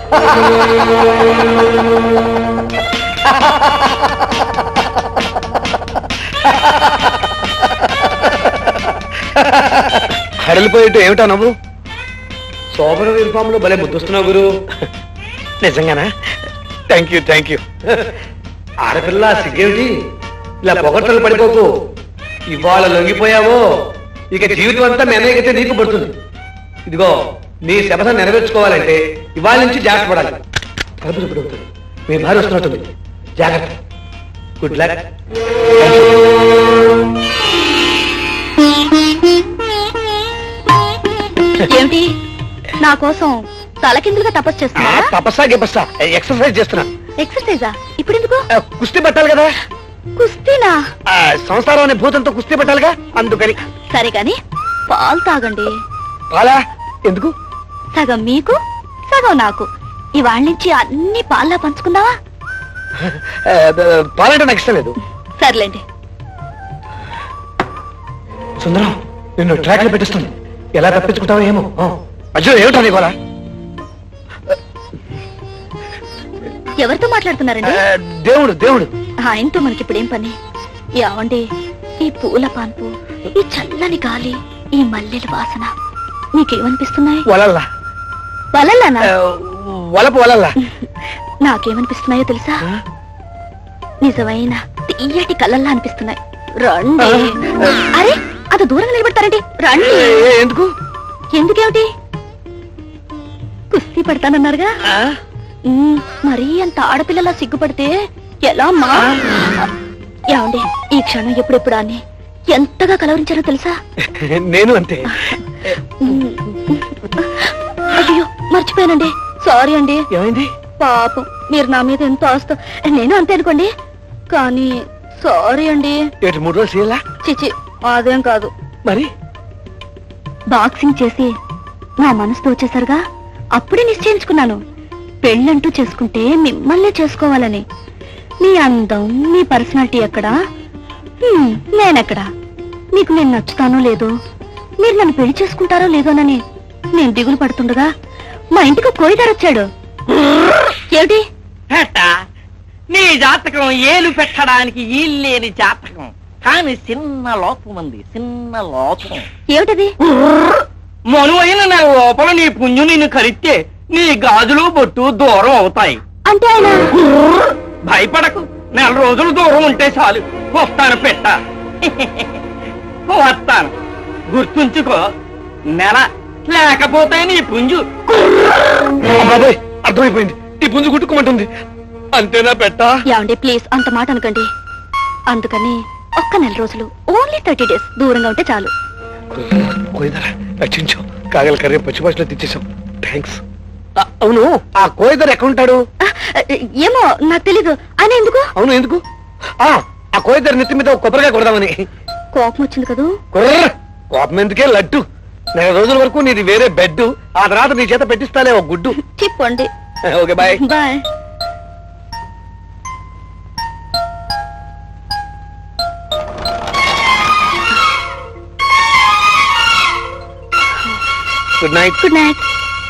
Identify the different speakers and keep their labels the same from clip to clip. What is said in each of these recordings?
Speaker 1: హడలిపోయేట్టు ఏమిటా నువ్వు? శోభన యూనిఫామ్ లో భలే ముద్దొస్తున్నావు గురు. నిజంగానా? Thank you. ఆడపిల్ల సిగ్గేమిటి? ఇలా పొగట్టలు పడిపోకు. ఇవాళ లొంగిపోయావో ఇక జీవితం అంతా మెనగైతే నీకు పడుతుంది. ఇదిగో నీ శపథం నెరవేర్చుకోవాలంటే ఇవాళ నుంచి జాగ్రత్త పడాలి. కలుపు అవుతుంది. మీ భార్య వస్తున్నట్టుంది. జాగ్రత్త. Good luck.
Speaker 2: ఏమిటి నా కోసం తలకిందులుగా తపస్సు చేస్తున్నా?
Speaker 1: తపస్సా ఎక్సర్సైజ్ చేస్తున్నా.
Speaker 2: ఎక్సర్సైజా? ఇప్పుడు ఎందుకు?
Speaker 1: కుస్తీ పట్టాలి కదా.
Speaker 2: కుస్తీనా?
Speaker 1: సంసారం అనే భూతంతో కుస్తీ పట్టాలిగా, అందుకని.
Speaker 2: సరే కాని పాలు తాగండి.
Speaker 1: పాలా? ఎందుకు?
Speaker 2: సగం మీకు సగం నాకు. ఇవాళ నుంచి అన్ని పాల్లా పంచుకుందావా?
Speaker 1: పాలంటే నాకు ఇష్టం లేదు.
Speaker 2: సర్లేండి.
Speaker 1: సుందరం నిన్ను ట్రాక్ లో పెట్టిస్తుంది. ఎలా తప్పించుకుంటావో ఏమో. అయ్యో ఏమిటా నీ గోల?
Speaker 2: ఎవరితో మాట్లాడుతున్నారండి?
Speaker 1: దేవుడు.
Speaker 2: ఆయనతో మనకి ఇప్పుడేం పని? ఏమండి, ఈ పూల పాన్పు, ఈ చల్లని గాలి, ఈ మల్లెల వాసన మీకేమనిపిస్తున్నాయి?
Speaker 1: వలల్లా.
Speaker 2: వలల్లానా?
Speaker 1: వలల్లా.
Speaker 2: నాకేమనిపిస్తున్నాయో తెలుసా? నిజమైన తీయటి కళ్ళల్లా అనిపిస్తున్నాయి. రండి. అరే అది దూరంగా నిలబెడతారండి. రండి.
Speaker 1: ఎందుకు?
Speaker 2: ఎందుకేమిటి? కుస్తీ పడతానన్నారుగా. మరీ అంత ఆడపిల్లలా సిగ్గుపడితే ఎలా అమ్మా? ఏమండి, ఈ క్షణం ఎప్పుడెప్పుడు అని ఎంతగా కలవరించారో తెలుసా?
Speaker 1: నేను అంతే.
Speaker 2: అయ్యో మర్చిపోయానండి. సారీ అండి.
Speaker 1: ఏమైంది?
Speaker 2: పాపం మీరు నా మీద ఎంతో ఆస్తో. నేను అంతే అనుకోండి, కానీ సారీ అండి.
Speaker 1: 3 రోజులు చేయాలా?
Speaker 2: చిచి అదేం కాదు.
Speaker 1: మరి
Speaker 2: బాక్సింగ్ చేసి నా మనసుతో వచ్చేసరిగా అప్పుడే నిశ్చయించుకున్నాను, పెళ్ళంటూ చేసుకుంటే మిమ్మల్నే చేసుకోవాలని. మీ అందం, మీ పర్సనాలిటీ ఎక్కడా, నేనెక్కడా? మీకు నేను నచ్చుతానో లేదో, మీరు నన్ను పెళ్లి చేసుకుంటారో లేదోనని నేను దిగులు పడుతుండగా మా ఇంటికి కోయిదారు వచ్చాడు. ఏమిటి?
Speaker 3: నీ జాతకం ఏలు పెట్టడానికి ఈల్లేని జాతకం, కానీ చిన్న లోపం ఉంది. చిన్న లోపం.
Speaker 2: ఏమిటది?
Speaker 3: మనువైన నా లోపల నీ పుంజు నిన్ను కలిస్తే నీ గాజులు బొట్టు దూరం అవుతాయి.
Speaker 2: అంటే ఆయన?
Speaker 3: భయపడకు, 4 రోజులు దూరం ఉంటే చాలు. వస్తాను పెట్ట. వస్తాను, గుర్తుంచుకో. నెల లేకపోతే నీ పుంజు.
Speaker 1: బాబాయ్ అర్థమైపోయింది. నీ పుంజు గుట్టుకోమంటుంది. అంతేనా పెట్ట?
Speaker 2: ఏమండి ప్లీజ్ అంత మాట అనకండి. అందుకని ఒక్క 4 రోజులు, ఓన్లీ 30 days దూరంగా ఉంటే చాలు.
Speaker 1: కోయిదరా రక్షించావు. కాగల కర్రీ పచ్చి భాషలో తెచ్చేసాం. థ్యాంక్స్. అవును, ఆ కోయిదర్ ఎక్కడ ఉంటాడు?
Speaker 2: ఏమో నాకు తెలీదు. ఆయన ఎందుకు?
Speaker 1: అవును ఎందుకు? ఆ కోయిదర్ నెత్తి మీద కొబ్బరిగా కొడదామని.
Speaker 2: కోపం వచ్చింది కదూ?
Speaker 1: కోపం ఎందుకే, లడ్డు. 4 రోజుల వరకు నీది వేరే బెడ్. ఆ తర్వాత నీ చేత పెట్టిస్తాలే ఒక గుడ్డు.
Speaker 2: చెప్పండి.
Speaker 1: Okay bye.
Speaker 2: Bye.
Speaker 1: Good night.
Speaker 2: Good night.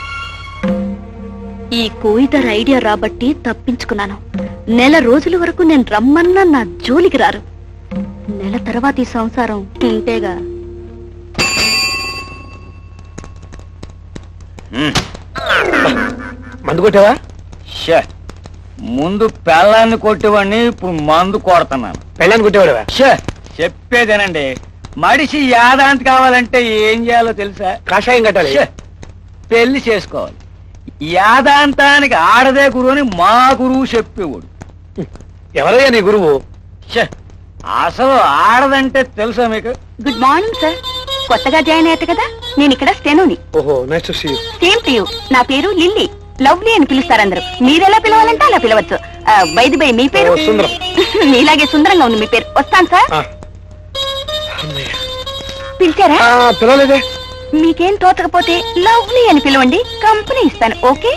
Speaker 2: ఈ కోయిదర్ ఐడియా రాబట్టి తప్పించుకున్నాను. 4 రోజుల వరకు నేను రమ్మన్నా నా జోలికి రారు. నెల తర్వాత ఈ సంసారం ఇంతేగా.
Speaker 1: మందు కొట్టావా?
Speaker 3: ముందు పెళ్ళాన్ని కొట్టేవాడిని, ఇప్పుడు మందు కొడుతున్నాను.
Speaker 1: పెళ్ళాన్ని కొట్టేవాడువా?
Speaker 3: చెప్పేదేనండి, మడిసి యాదాంతి కావాలంటే ఏం చేయాలో తెలుసా?
Speaker 1: కాషాయం కట్టాలి.
Speaker 3: పెళ్లి చేసుకోవాలి. యాదాంతానికి ఆడదే గురువు అని మా గురువు చెప్పేవాడు.
Speaker 1: ఎవరయ్యా నీ గురువు?
Speaker 3: అసలు ఆడదంటే తెలుసా మీకు?
Speaker 2: Good morning sir. కొత్తగా జాయిన్ అయ్యారు కదా, నేను ఇక్కడ స్టెనోని.
Speaker 1: ఓహో, nice to see you.
Speaker 2: Same to you. నా పేరు లిల్లీ. లవ్లీ అని పిలుస్తారు అందరూ. మీరెలా పిలవాలంటే అలా పిలవచ్చు. బైది బై మీ పేరు?
Speaker 1: సుందరం.
Speaker 2: మీలాగే సుందరంగా ఉంది మీ పేరు. వస్తాను సార్. పిలిచారా?
Speaker 1: పిలవలేదే.
Speaker 2: మీకేం తోచకపోతే లవ్లీ అని పిలవండి, కంపెనీ ఇస్తాను. ఓకే?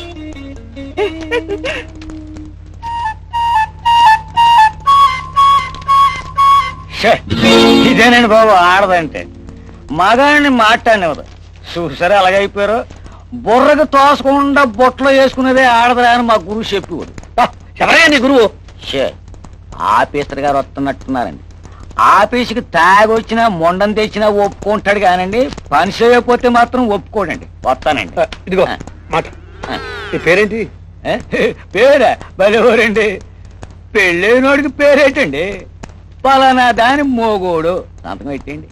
Speaker 3: ఇదేనండి బాబు ఆడదంటే. మగాడిని మాట్లాడినవరు చూసారా అలాగైపోయారు. బుర్రకు తోసకుండా బొట్టలో వేసుకునేదే ఆడదురా అని మా గురువు చెప్పేవాడు.
Speaker 1: ఎవరయ్యా నీ గురువు?
Speaker 3: ఆఫీసర్ గారు వస్తున్నట్టున్నారండి. ఆఫీసుకి తాగొచ్చినా మొండం తెచ్చినా ఒప్పుకుంటాడు కానండి, పని చేయకపోతే మాత్రం ఒప్పుకోడండి. వస్తానండి.
Speaker 1: ఇదిగో మాట. నీ పేరేంటి?
Speaker 3: పేరా బలేవరండి, పెళ్ళైనోడికి పేరేటండి. పలానా దాని మోగోడు సంతకం పెట్టండి.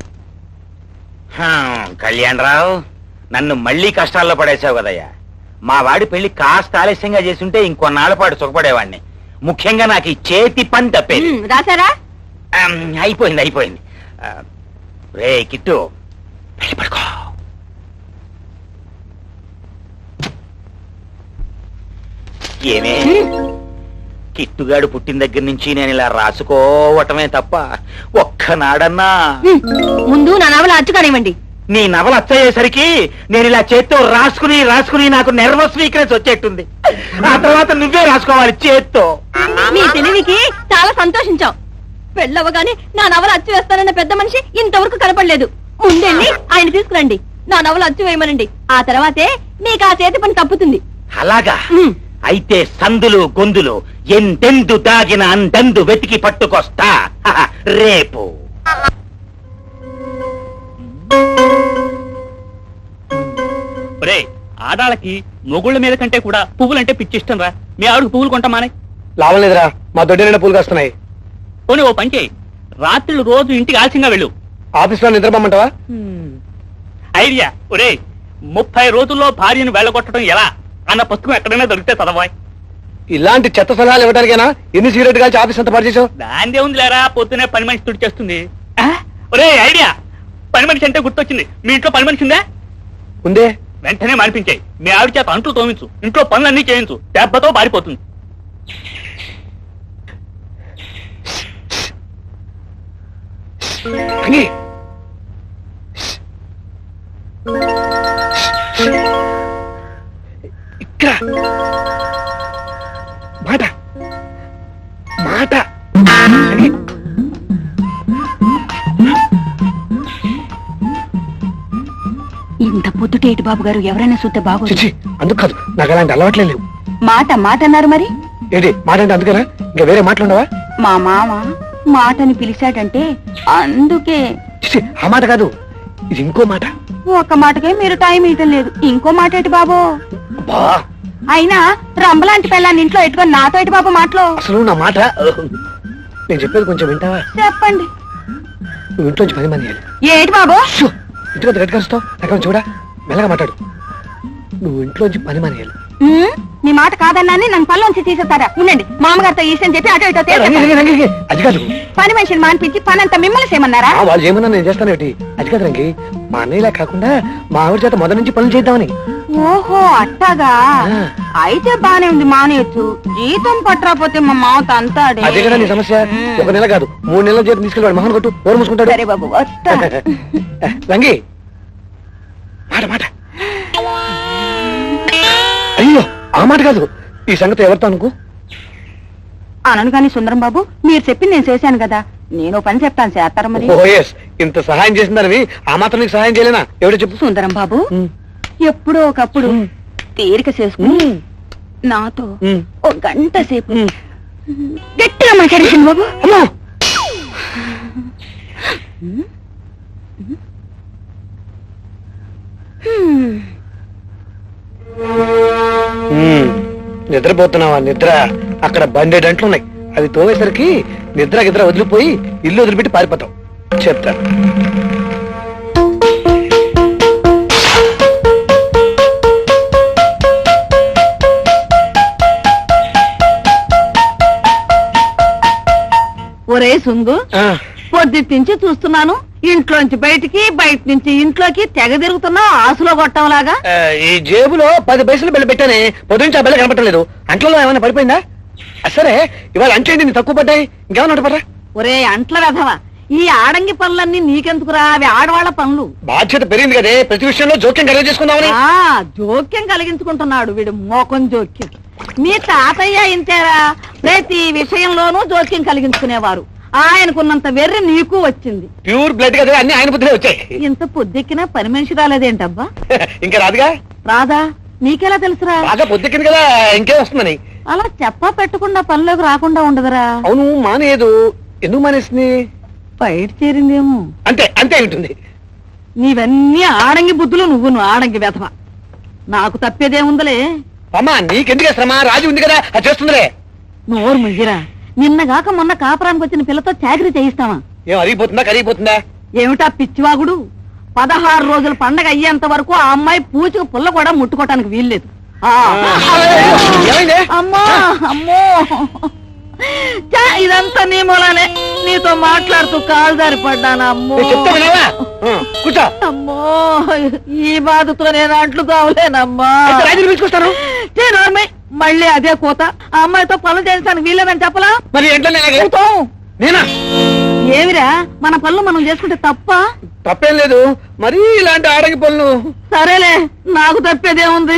Speaker 4: కళ్యాణరావు, నన్ను మళ్ళీ కష్టాల్లో పడేసావు కదయ్యా. మా వాడి పెళ్లి కాస్త ఆలస్యంగా చేసుంటే ఇంకొన్నాళ్ళ పాటు సుఖపడేవాడిని. ముఖ్యంగా నాకు ఈ చేతి పని తప్పేది.
Speaker 2: రాశారా?
Speaker 4: అయిపోయింది. రే కిట్టు, వెళ్ళి పడుకో. ఏమే, కిట్టుగాడు పుట్టిన దగ్గర నుంచి నేను ఇలా రాసుకోవటమే తప్ప ఒక్కనాడన్నా
Speaker 2: ముందు నా నవల అచ్చు కానివ్వండి.
Speaker 4: నీ నవల అచ్చయ్యేసరికి నేను ఇలా చేత్తో రాసుకుని నాకు నెర్వస్ వీక్నెస్ వచ్చేట్టుంది. ఆ తర్వాత నువ్వే రాసుకోవాలి చేత్తో.
Speaker 2: మీ తెలివికి చాలా సంతోషించాం. పెళ్ళవగానే నా నవల అచ్చు వేస్తానన్న పెద్ద మనిషి ఇంతవరకు కనపడలేదు. ముందెళ్ళి ఆయన తీసుకురండి, నా నవల అచ్చు వేయమనండి. ఆ తర్వాతే మీకు ఆ చేతి పని తప్పుతుంది.
Speaker 4: అలాగా? అయితే సందులు గొందులు ఎందెందు దాగిన అందందు వెతికి పట్టుకొస్తా రేపు.
Speaker 5: ఆడాళ్ళకి మొగుళ్ళ మీద కంటే కూడా పువ్వులంటే పిచ్చిష్టం రా. మీ ఆవిడకి పువ్వులు కొంటామానే.
Speaker 1: లాభం లేదురా, మా దొడ్డి నిండా పూలు కాస్తున్నాయి.
Speaker 5: పోనీ ఓ పని చేయి, రాత్రులు రోజు ఇంటికి ఆలస్యంగా వెళ్ళు.
Speaker 1: ఆఫీస్ లో నిద్రపోమంటావా?
Speaker 5: ఐడియా. ఒరే, 30 రోజుల్లో భార్యను వెళ్ళగొట్టడం ఎలా అన్న పుస్తకం ఎక్కడైనా దొరికితే చదవాయి.
Speaker 1: ఇలాంటి చెత్త సలహాలు ఇవ్వడానికైనా ఎన్ని సిగరెట్ కాల్చి ఆఫీస్ అంతా పాటు చేసావు?
Speaker 5: దాందే ఉంది లేరా, పొద్దునే పని మనిషి తుడి చేస్తుంది. ఒరే ఐడియా, పని మనిషి అంటే గుర్తొచ్చింది. మీ ఇంట్లో పని మనిషి ఉందా?
Speaker 1: ఉందే.
Speaker 5: వెంటనే మానిపించాయి. మీ ఆవిడ చేత అంట్లు తోమించు, ఇంట్లో పనులన్నీ చేయించు, దెబ్బతో పారిపోతుంది.
Speaker 1: ఇక్కడ మాట మాట
Speaker 2: ఇంత పొద్దుటేటి బాబు గారు ఎవరైనా చూస్తే బాగోదు.
Speaker 1: చిచ్చి, అందుకు కాదు, నాకు అలాంటి అలవాట్లే లేవు.
Speaker 2: మాట అన్నారు మరి.
Speaker 1: ఏంటి మాట అంటే అందుకేనా? ఇంకా వేరే మాటలుండవా?
Speaker 2: మా మామ మాటని పిలిచాడంటే అందుకే.
Speaker 1: చిచ్చి, ఆ మాట కాదు, ఇది ఇంకో మాట.
Speaker 2: ఒక మాటకే మీరు టైం ఇవ్వటం లేదు, ఇంకో మాట ఏంటి బాబు?
Speaker 1: అబ్బా,
Speaker 2: అయినా రంబలాంటి పిల్లాన్ని ఇంట్లో ఎట్టుకొని నాతో ఏంటి బాబు మాటలో?
Speaker 1: అసలు నా మాట నేను చెప్పేది కొంచెం వింటావా?
Speaker 2: చెప్పండి.
Speaker 1: నువ్వు ఇంట్లోంచి 10 మంది
Speaker 2: ఏంటి బాబు?
Speaker 1: ఇంటికి గట్టి కలుస్తావు, అక్కడ చూడా, మెల్లగా మాట్లాడు. నువ్వు ఇంట్లోంచి 10 మంది
Speaker 2: మీ మాట కాదన్నాని నన్ను పనిలోంచి తీసేస్తారా? ఉండండి, మామగారితో ఈసని చెప్పి అటు ఇటో
Speaker 1: అది కాదు.
Speaker 2: పని మనిషిని మానిపించి పని అంతా మిమ్మల్ని చేయమన్నారా?
Speaker 1: వాళ్ళు ఏమన్నా నేను చేస్తాను ఏంటి? అది కాదు రంగి, మా అన్నయ్యలా కాకుండా మా ఆవిడ చేత మొదటి నుంచి పనులు చేద్దామని.
Speaker 2: ఓహో అట్టాగా, అయితే బానే ఉంది, మానేయచ్చు. జీతం పట్టరాపోతే మా మామతో అంతాడే.
Speaker 1: అదే కదా నీ సమస్య. 1 నెల కాదు 3 నెలల జీతం తీసుకెళ్ళి మహన్ కొట్టు, ఓరు మూసుకుంటాడు.
Speaker 2: సరే బాబు, వస్తా.
Speaker 1: రంగి, మాట మాట. అయ్యో, ఆ మాట కాదు, ఈ సంగతి ఎవరితో అనుకో.
Speaker 2: అనను కానీ సుందరం బాబు, మీరు చెప్పింది నేను చేశాను కదా, నేను పని చెప్తాను, చేస్తారా మరి?
Speaker 1: ఓ ఎస్, ఇంత సహాయం చేసిందని ఆ మాత్రం నీకు సహాయం చేయలేనా? ఎవడో చెప్పు.
Speaker 2: సుందరం బాబు, ఎప్పుడో ఒకప్పుడు తీరిక చేసుకుని నాతో ఒక గంట సేపు గట్టిగా మాట్లాడేసింది బాబు.
Speaker 1: అమ్మో, నిద్రపోతున్నావా? నిద్ర అక్కడ బండేటంట్లు ఉన్నాయి, అవి తోవేసరికి నిద్ర గిద్ర వదిలిపోయి ఇల్లు వదిలిపెట్టి పారిపోతావు. చెప్తాను.
Speaker 6: ఒరే సుంగు, పొద్దుట్నుంచి చూస్తున్నాను, ఇంట్లోంచి బయటికి, బయట నుంచి ఇంట్లోకి తెగ తిరుగుతున్నావు ఆసులో కొట్టంలాగా.
Speaker 1: ఈ జేబులో 10 పైసలు బిళ్ళ పెట్టానే, పొద్దునుంచి ఆ బిళ్ళ కనపట్టలేదు. అంట్లలో ఏమైనా పడిపోయిందా? సరే, ఇవాళ అంచేయండి, నీ తక్కువ పడ్డాయి, ఇంకేమన్నా పడరా?
Speaker 6: ఒరే అంట్ల వెధవా, ఈ ఆడంగి పనులన్నీ నీకెందుకురా? అవి ఆడవాళ్ల పనులు.
Speaker 1: బాధ్యత పెరిగింది కదే, ప్రతి విషయంలో జోక్యం కలిగి చేసుకుందామని.
Speaker 6: జోక్యం కలిగించుకుంటున్నాడు వీడు, మోకం జోక్యం. మీ తాతయ్య ఇంతేరా, ప్రతి విషయంలోనూ జోక్యం కలిగించుకునేవారు. ఆయనకున్నంత వెర్రి నీకు వచ్చింది.
Speaker 1: ప్యూర్ బ్లడ్ కదా, అన్ని ఆయన బుద్ధిలో వచ్చాయి.
Speaker 6: ఇంత పొద్దెక్కినా పని మనిషి రాలేదేంటబ్బా?
Speaker 1: ఇంకా రాదుగా.
Speaker 6: రాదా? నీకెలా తెలుసురా?
Speaker 1: బాగా పొద్దుకింది కదా, ఇంకే వస్తుందని.
Speaker 6: అలా చెప్పా పెట్టకుండా పనిలోకి రాకుండా ఉండదురా.
Speaker 1: అవును, మానేయదు. ఎందుకు మానేసింది?
Speaker 6: బయట చేరిందేమో.
Speaker 1: అంతే అంతే ఉంటుంది.
Speaker 6: నీవన్నీ ఆడంగి బుద్ధులు, నువ్వు ఆడంగి వెధవ. నాకు తప్పేదేముందలే.
Speaker 1: అమ్మా, నీకెందుకే శ్రమ? రాజు ఉంది కదా, అది చేస్తుందిలే.
Speaker 6: నోరు ముయ్యరా. నిన్నగాక మొన్న కాపురానికి వచ్చిన పిల్లతో చాకరీ చేయిస్తావా?
Speaker 1: ఏం అరిగిపోతుందా, కరిగిపోతుందా?
Speaker 6: ఏమిటా పిచ్చివాగుడు? 16 రోజుల పండగ అయ్యేంత వరకు ఆ అమ్మాయి పూచుకు పుల్ల కూడా ముట్టుకోవటానికి వీల్లేదు.
Speaker 1: ఏమైంది?
Speaker 6: అమ్మో అమ్మో, ఇదంతా నీ మూలానే. నీతో మాట్లాడుతూ కాలు జారి పడ్డాను. అమ్మో
Speaker 1: చెప్తా వినవా? కూర్చో.
Speaker 6: అమ్మో, ఈ బాధతో నేను అంట్లు కావలేనమ్మా.
Speaker 1: రాజుని పిలుచుకొస్తాను.
Speaker 6: మళ్ళీ అదే కోత. ఆ అమ్మాయితో పనులు చేయించడానికి వీల్లేదని చెప్పలా?
Speaker 1: మరి ఏంటో నేనా?
Speaker 6: ఏమిరా, మన పనులు మనం చేసుకుంటే తప్ప?
Speaker 1: తప్పేం లేదు, మరి ఇలాంటి ఆడగి పనులు.
Speaker 6: సరేలే, నాకు తప్పేదేముంది.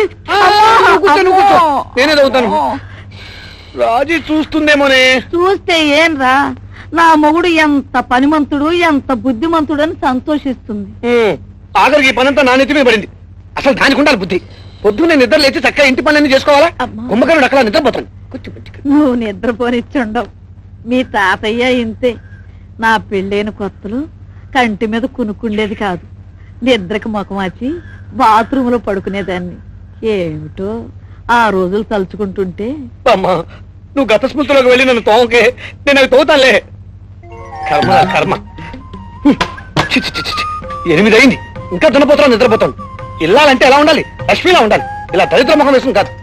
Speaker 1: నేనే చదువుతాను. రాజీ చూస్తుందేమోనే.
Speaker 6: చూస్తే ఏంరా, నా మొగుడు ఎంత పనిమంతుడు, ఎంత బుద్ధిమంతుడు అని సంతోషిస్తుంది.
Speaker 1: ఆఖరికి ఈ పనంతా నా నెత్తి మీద పడింది. అసలు దానికి ఉండాలి బుద్ధి. పొద్దున్నే నిద్ర లేచి చక్కగా ఇంటి పనులన్నీ చేసుకోవాలా? కుంభకరుడు అక్కడ నిద్రపోతాను.
Speaker 6: నువ్వు నిద్రపోనిచ్చుండవు. మీ తాతయ్య ఇంతే. నా పెళ్ళైన కొత్తలు కంటి మీద కునుకుండేది కాదు. నిద్రకు ముఖమాచి బాత్రూంలో పడుకునేదాన్ని. ఏమిటో ఆ రోజులు తలుచుకుంటుంటే.
Speaker 1: అమ్మా, నువ్వు గత స్మృతిలోకి వెళ్ళి నన్ను తోమకే, నేను అవి తోగుతానులే. కర్మ కర్మ. 8 అయింది, ఇంకా దున్నపోతాను, నిద్రపోతాను. ఇల్లాలంటే ఎలా ఉండాలి? లక్ష్మిలా ఉండాలి. ఇలా దరిద్ర ముఖం వేసుకుని కాదు.